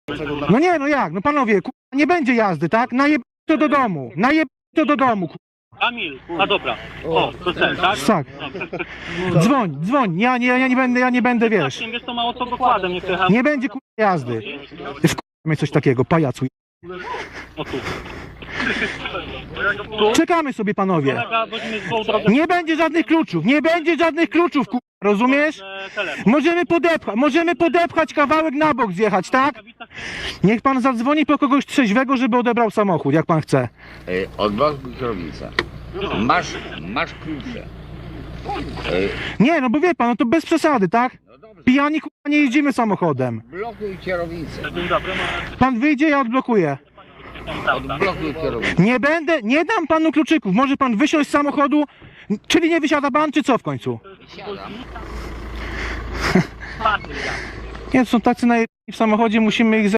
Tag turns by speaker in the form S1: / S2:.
S1: No nie, no jak? No panowie, nie będzie jazdy, tak? Najeb to do domu. Najeb to do domu.
S2: Kamil, a dobra. O, to ten, tak?
S1: Tak. Dzwoń. Ja nie będę, wiesz.
S2: Wiesz, to mało co dokładem, nie przejechałem.
S1: Nie będzie jazdy. Mnie coś takiego, pajacu.
S2: O tu.
S1: Czekamy sobie, panowie.
S2: Kolega, weźmie złą drogę.
S1: Nie będzie żadnych kluczów, rozumiesz? Możemy podepchać kawałek na bok, zjechać, tak? Niech pan zadzwoni po kogoś trzeźwego, żeby odebrał samochód, jak pan chce.
S3: Odblokuj kierownicę. Masz klucze.
S1: Nie, no bo wie pan, no to bez przesady, tak?
S3: No dobrze,
S1: Pijani nie jeździmy samochodem.
S3: blokuj kierownicę.
S2: Dzień dobry,
S1: Pan wyjdzie, ja odblokuję.
S3: Odblokuj kierownicę.
S1: Nie dam panu kluczyków. Może pan wysiąść z samochodu, czyli nie wysiada pan, czy co w końcu?
S3: Siadam.
S1: Nie, są tacy w samochodzie, musimy ich